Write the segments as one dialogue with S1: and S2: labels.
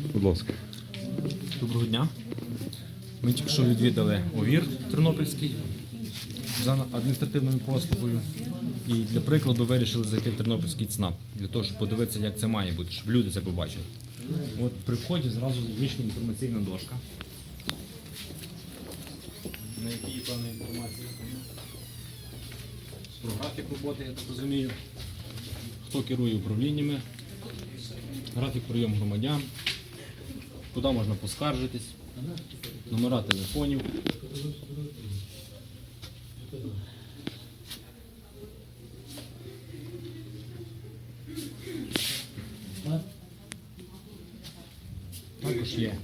S1: Будь ласка.
S2: Доброго дня. Ми тільки що відвідали ОВІР Тернопільський за адміністративною послугою. І для прикладу вирішили зайти в Тернопільський ЦНАП, для того, щоб подивитися, як це має бути, щоб люди це побачили. От при вході зразу вийшла інформаційна дошка, на якій є певна інформація про графік роботи, я так розумію, хто керує управліннями, графік прийому громадян, куди можна поскаржитись, номера телефонів. Також є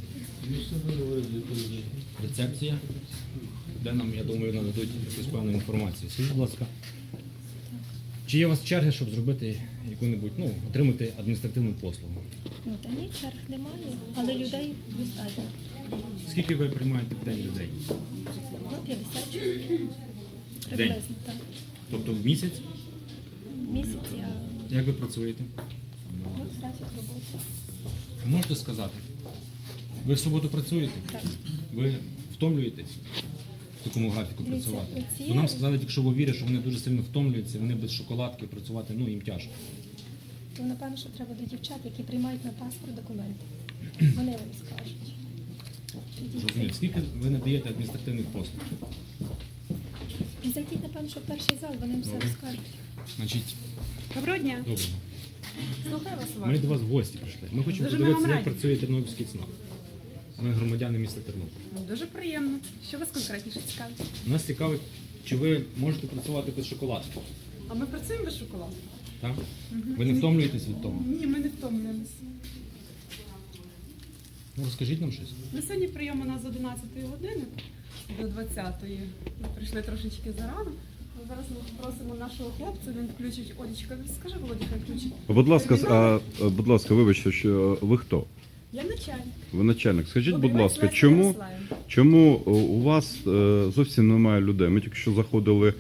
S2: рецепція, де нам, я думаю, нададуть якусь певну інформацію. Скажіть, будь ласка, чи є у вас черги, щоб зробити яку-небудь, отримати адміністративну послугу?
S3: Та ні, черг немає, але людей достатньо.
S2: Скільки ви приймаєте в день людей?
S3: 50 чоловік. Приблизно, так.
S2: Тобто в місяць?
S3: Місяць я
S2: Як ви працюєте?
S3: графік роботи.
S2: Можете сказати, ви в суботу працюєте?
S3: Так.
S2: Ви втомлюєтесь в такому графіку
S3: Дивіться,
S2: працювати?
S3: оці-
S2: Бо нам сказали, тільки що в ОВІРі, що вони дуже сильно втомлюються, вони без шоколадки працювати, їм тяжко.
S3: То, напевно, що треба до дівчат, які приймають на паспорт документи. Вони вам скажуть.
S2: Розумію, скільки ви надаєте адміністративних послуг?
S3: І зайдіть, напевно, що в перший зал, вони вам все
S2: Добре.
S3: розкажуть.
S2: Значить,
S4: Доброго дня.
S2: добре.
S4: Слухаю вас
S2: Ми
S4: уважно.
S2: до вас в гості прийшли. Ми хочемо
S4: Дуже
S2: подивитися,
S4: ми вам
S2: як
S4: раді.
S2: працює Тернопільський ЦНАП. Ми громадяни міста Тернополя.
S4: Дуже приємно. Що вас конкретніше цікавить?
S2: Нас цікавить, чи ви можете працювати без шоколадки?
S4: А ми працюємо без шоколаду?
S2: Так? Ви не втомлюєтесь від того?
S4: Ні, ми не втомлюємося.
S2: Розкажіть нам щось.
S4: На сьогодні прийом у нас з 11 години до 20-ї. Ми прийшли трошечки зарано. Зараз ми попросимо нашого хлопця, він включить. Олечка, скажи, Володя, хай включить.
S1: Будь ласка, вибачте, що ви хто?
S4: Я начальник.
S1: Ви начальник. Скажіть, будь
S4: Обіймається
S1: ласка,
S4: Леся
S1: чому
S4: Ярославівна.
S1: Чому у вас зовсім немає людей? Ми тільки що заходили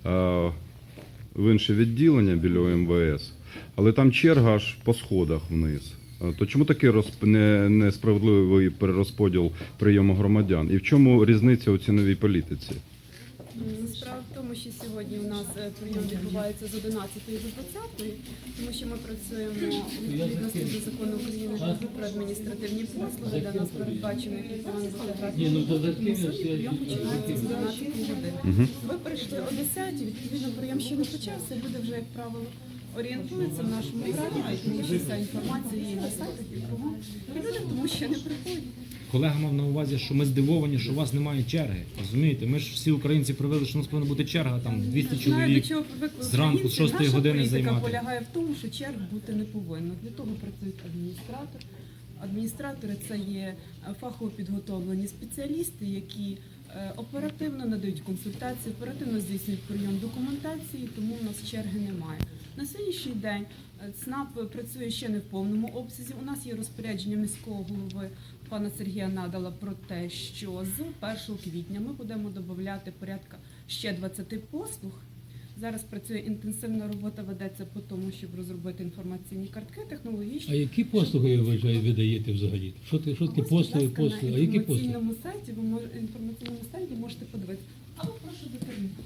S1: в інше відділення біля МВС, але там черга аж по сходах вниз. То чому такий несправедливий перерозподіл прийому громадян? І в чому різниця у ціновій політиці?
S4: Справа в тому, що сьогодні у нас прийом відбувається з 11 до 20, тому що ми працюємо у відповідності до закону України про адміністративні послуги, де нас передбачено, який повинен бути графік. Сьогодні прийом починається з 12 годин. Ви прийшли о 10, відповідно прийом ще не почався, люди вже, як правило, орієнтуються в нашому графіку, тому що вся інформація є на сайтах і кругом. І люди тому ще не приходять.
S2: Колега мав на увазі, що ми здивовані, що у вас немає черги. Розумієте, ми ж всі українці привели, що у нас повинна бути черга, там 200
S4: Знаю,
S2: чоловік
S4: до чого привикли
S2: зранку з
S4: українці.
S2: 6 години
S4: Наша
S2: займати.
S4: політика полягає в тому, що черг бути не повинно. Для того працюють адміністратор. Адміністратори – це є фахово підготовлені спеціалісти, які оперативно надають консультації, оперативно здійснюють прийом документації, тому у нас черги немає. На сьогоднішній день ЦНАП працює ще не в повному обсязі. У нас є розпорядження міського голови пана Сергія Надала про те, що з 1 квітня ми будемо додати порядка ще 20 послуг. Зараз працює інтенсивна робота, ведеться по тому, щоб розробити інформаційні картки, технологічні.
S5: А які послуги ви даєте взагалі? Що таке послуги, а які послуги?
S4: На інформаційному сайті можете подивитися. Але прошу до керівника.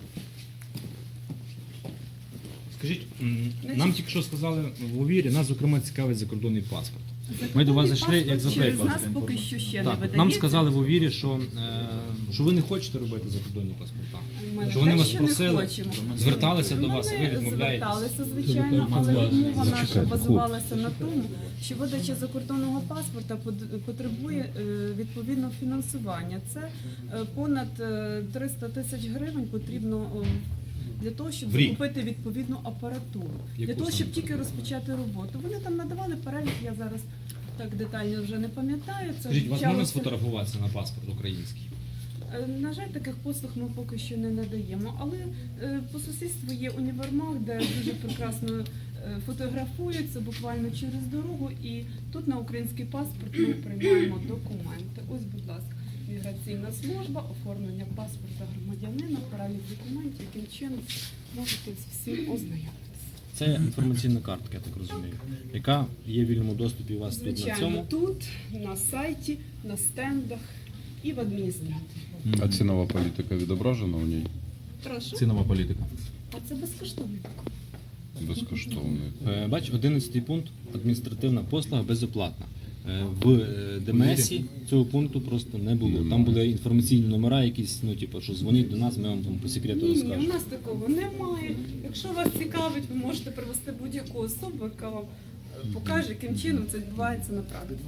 S2: Скажіть, нам тільки що сказали в ОВІРі, нас, зокрема, цікавить закордонний паспорт. Ми до вас зайшли, як за
S4: Через
S2: приклад.
S4: нас поки що ще не
S2: Так,
S4: видається.
S2: нам сказали в ОВІРі, що ви не хочете робити закордонні паспорта.
S4: Ми
S2: Що вони
S4: те,
S2: вас
S4: що не
S2: просили,
S4: хочемо.
S2: зверталися до вас, а ви відмовляєтесь.
S4: Зверталися, звичайно, але розмова наша базувалася на тому, що видача закордонного паспорта потребує відповідного фінансування. Це понад 300 тисяч гривень потрібно для того, щоб
S2: В рік?
S4: закупити відповідну апаратуру.
S2: Яку
S4: Для того, щоб
S2: саме
S4: тільки розпочати роботу. Вони там надавали перелік, я зараз так детально вже не пам'ятаю. Це
S2: Скажіть, вас можна
S4: вчалося-
S2: сфотографуватися на паспорт український?
S4: На жаль, таких послуг ми поки що не надаємо, але по сусідству є універмаг, де дуже прекрасно фотографуються буквально через дорогу, і тут на український паспорт ми приймаємо документи. Ось, будь ласка, міграційна служба, оформлення паспорта громадянина, перелік документів, яким чином можете з всім ознайомитися.
S2: Це інформаційна картка, я так розумію, яка є в вільному доступі у вас тут на
S4: Звичайно,
S2: цьому.
S4: тут, на сайті, на стендах і в адміністраторі.
S1: А цінова політика відображена у ній?
S4: Прошу.
S2: Цінова політика.
S3: А це безкоштовно.
S1: Безкоштовний.
S2: Бач, 11 пункт адміністративна послуга безоплатна. В ДМСі цього пункту просто не було. Там були інформаційні номера якісь, ну типу, що дзвоніть до нас, ми вам там по секрету
S4: Ні, у
S2: розкажемо.
S4: нас такого немає. Якщо вас цікавить, ви можете привести будь-яку особу, яка вам покаже, яким чином це відбувається на практиці.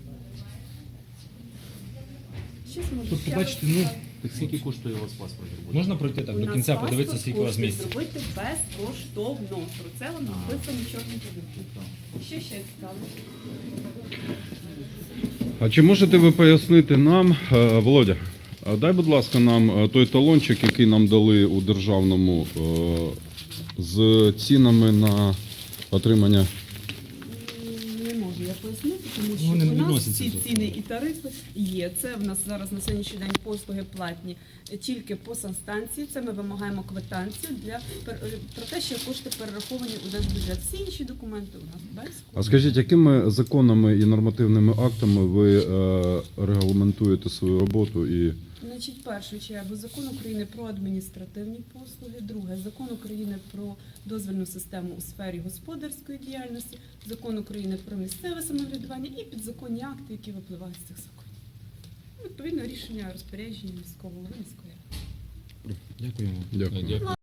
S4: Щось може
S2: Тобто,
S4: ще
S2: бачите,
S4: раз
S2: ну,
S4: сказати?
S2: так скільки коштує у вас паспорт? Можна пройти так
S4: У
S2: до
S4: нас
S2: кінця,
S4: паспорт
S2: подивитися, скільки у вас
S4: коштує
S2: місць?
S4: зробити безкоштовно. Про це вам написано чорним по білому. Що ще цікаво?
S1: А чи можете ви пояснити нам, Володя, дай, будь ласка, нам той талончик, який нам дали у державному з цінами на отримання.
S4: Не можу я пояснити, тому що
S2: Вони не
S4: у нас
S2: відносяться
S4: всі
S2: до
S4: ціни і тарифи є. Це в нас зараз на сьогоднішній день послуги платні тільки по санстанції. Це ми вимагаємо квитанцію про те, що кошти перераховані у держбюджет. Всі інші документи у нас без.
S1: А скажіть, якими законами і нормативними актами ви регламентуєте свою роботу і
S4: Значить, в першу чергу закон України про адміністративні послуги, друге закон України про дозвільну систему у сфері господарської діяльності, закон України про місцеве самоврядування і підзаконні акти, які випливають з цих законів. Відповідно, рішення розпорядження міського голови міської ради.
S2: Дякуємо.
S1: Дякую.
S5: Дякую.